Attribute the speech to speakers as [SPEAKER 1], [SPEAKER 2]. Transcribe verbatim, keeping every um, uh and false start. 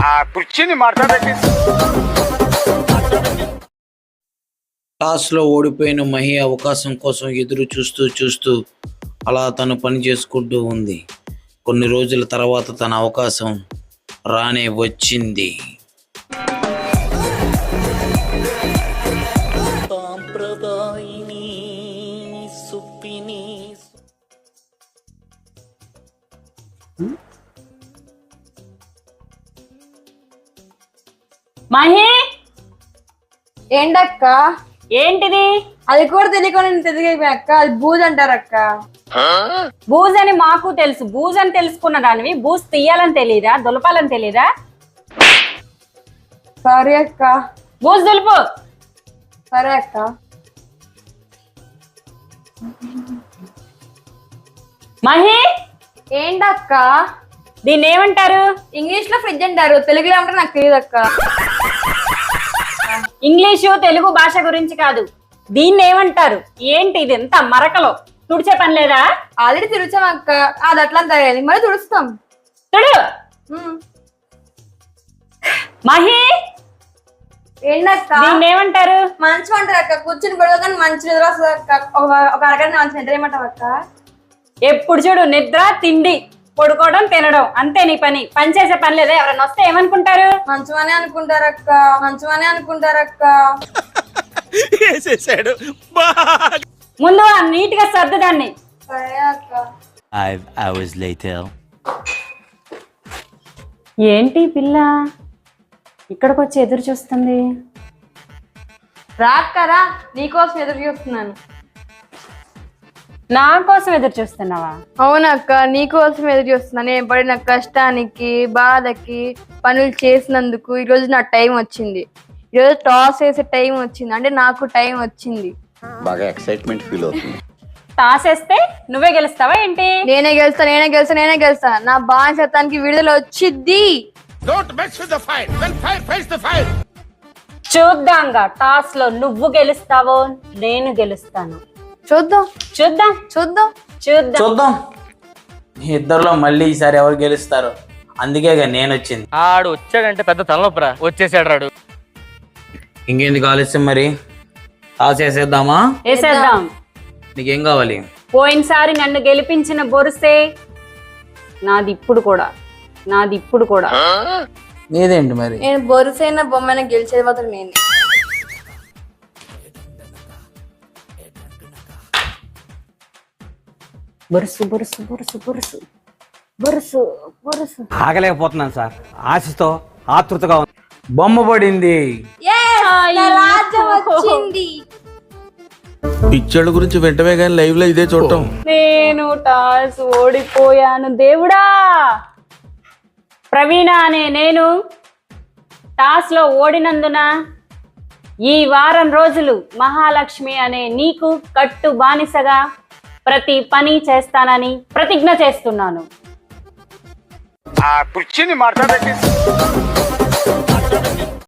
[SPEAKER 1] ఆ కుర్చీని మార్చబెట్టి
[SPEAKER 2] టాస్ లో ఓడిపోయిన మహి అవకాశం కోసం ఎదురు చూస్తూ చూస్తూ అలా తను పని చేసుకుంటూ ఉంది. కొన్ని రోజుల తర్వాత తన అవకాశం రానే వచ్చింది.
[SPEAKER 3] మహి,
[SPEAKER 4] ఏంటక్క?
[SPEAKER 3] ఏంటిది?
[SPEAKER 4] అది కూడా తెలియకుండా తెలియకపోయా అక్క. అది బూజ్ అంటారు అక్క.
[SPEAKER 3] బూజ్ అని మాకు తెలుసు. బూజ్ అని తెలుసుకున్న దానివి బూజ్ తీయాలని తెలీదా? దులపాలని తెలీదా?
[SPEAKER 4] సారీ అక్క.
[SPEAKER 3] బూజ్ దులుపు.
[SPEAKER 4] సరే అక్క.
[SPEAKER 3] మహి,
[SPEAKER 4] ఏంటక్క?
[SPEAKER 3] దీన్ని ఏమంటారు?
[SPEAKER 4] ఇంగ్లీష్ లో ఫ్రిడ్జ్ అంటారు, తెలుగులో ఏమంటారు నాకు తెలియదు అక్క.
[SPEAKER 3] ఇంగ్లీషు తెలుగు భాష గురించి కాదు, దీన్ని ఏమంటారు? ఏంటి ఇది ఎంత మరకలో? తుడిచే పని లేదా?
[SPEAKER 4] ఆల్రెడీ తుడిచాం అక్క. అది అట్లా తయారైంది, మరి తుడుస్తాం.
[SPEAKER 3] తుడు. మహి,
[SPEAKER 4] ఏంటక్క?
[SPEAKER 3] దీన్ని ఏమంటారు?
[SPEAKER 4] మంచం అంటారు అక్క. కూర్చుని పడవ కానీ మంచి నిద్ర వస్తుంది అక్క. ఒక అరగంట మంచి నిద్ర ఏమంటావు అక్క?
[SPEAKER 3] ఎప్పుడు చూడు నిద్ర, తిండి, పడుకోవడం, తినడం, అంతే నీ పని. పని చేసే పని లేదా? ఎవరైనా వస్తే ఏమనుకుంటారు?
[SPEAKER 4] మంచమనే అనుకుంటారక్క, మంచమనే అనుకుంటారక్క.
[SPEAKER 3] ముందు నీట్ గా సర్దు దాన్ని.
[SPEAKER 4] సరే అక్క.
[SPEAKER 5] Five hours later.
[SPEAKER 3] ఏంటి పిల్ల ఇక్కడికి వచ్చి ఎదురు చూస్తుంది?
[SPEAKER 4] రాక్కరా, నీకోసం ఎదురు చూస్తున్నాను.
[SPEAKER 3] నా కోసం ఎదురు చూస్తున్నావా?
[SPEAKER 4] అవునక్క, నీకోసం ఎదురు చూస్తున్నాను. నేను పడిన కష్టానికి, బాధకి, పనులు చేసినందుకు ఈరోజు నా టైం వచ్చింది. ఈరోజు టాస్ వేసే టైం వచ్చింది, అంటే నాకు టైం వచ్చింది.
[SPEAKER 6] బాగా ఎక్సైట్మెంట్ ఫీల్ అవుతుంది.
[SPEAKER 3] టాస్ వేస్తే నువ్వే గెలుస్తావా ఏంటి?
[SPEAKER 4] నేనే గెలుస్తా, నేనే గెలుస్తా, నేనే గెలుస్తా. నా బానిసత్వానికి విడుదల వచ్చిద్ది.
[SPEAKER 3] చూద్దాంగా టాస్ లో నువ్వు గెలుస్తావో నేను గెలుస్తాను.
[SPEAKER 4] చూద్దాం
[SPEAKER 3] చూద్దాం
[SPEAKER 4] చూద్దాం
[SPEAKER 3] చూద్దాం
[SPEAKER 2] చూద్దాం ఇద్దరులో మళ్ళీ ఈసారి ఎవరు గెలుస్తారు. అందుకేగా నేను వచ్చింది.
[SPEAKER 7] ఆడు వచ్చాడంటే పెద్ద తలనొప్పరా. వచ్చేసాడు రాడు.
[SPEAKER 2] ఇంకెందుకు ఆలస్యం, మరి టాస్ వేసేద్దామా?
[SPEAKER 3] వేసేద్దాం.
[SPEAKER 2] నీకేం కావాలి?
[SPEAKER 3] పోయినసారి నన్ను గెలిపించిన బొరుసే నాది ఇప్పుడు కూడా, నాది ఇప్పుడు కూడా.
[SPEAKER 2] నీదేంటి మరి?
[SPEAKER 4] నేను బొరుసైన బొమ్మైన గెలిచేది మాత్రం నేను.
[SPEAKER 3] బొరుసు బొరుసు బొరుసు బొరుసు బొరుసు బొరుసు.
[SPEAKER 5] ఆగలేకపోతున్నాను సార్, ఆశతో ఆతృతగా ఉంది.
[SPEAKER 2] బొమ్మ పడింది.
[SPEAKER 4] రాజ్యం వచ్చింది.
[SPEAKER 8] పిక్చర్ల గురించి వెంటనే కానీ లైవ్ లో ఇదే చూడటం.
[SPEAKER 3] నేను టాస్ ఓడిపోయాను దేవుడా. ప్రవీణ అనే నేను టాస్ లో ఓడినందున ఈ వారం రోజులు మహాలక్ష్మి అనే నీకు కట్టు బానిసగా ప్రతి పని చేస్తానని ప్రతిజ్ఞ చేస్తున్నాను.
[SPEAKER 1] ఆ కుర్చీని మార్చబెట్టి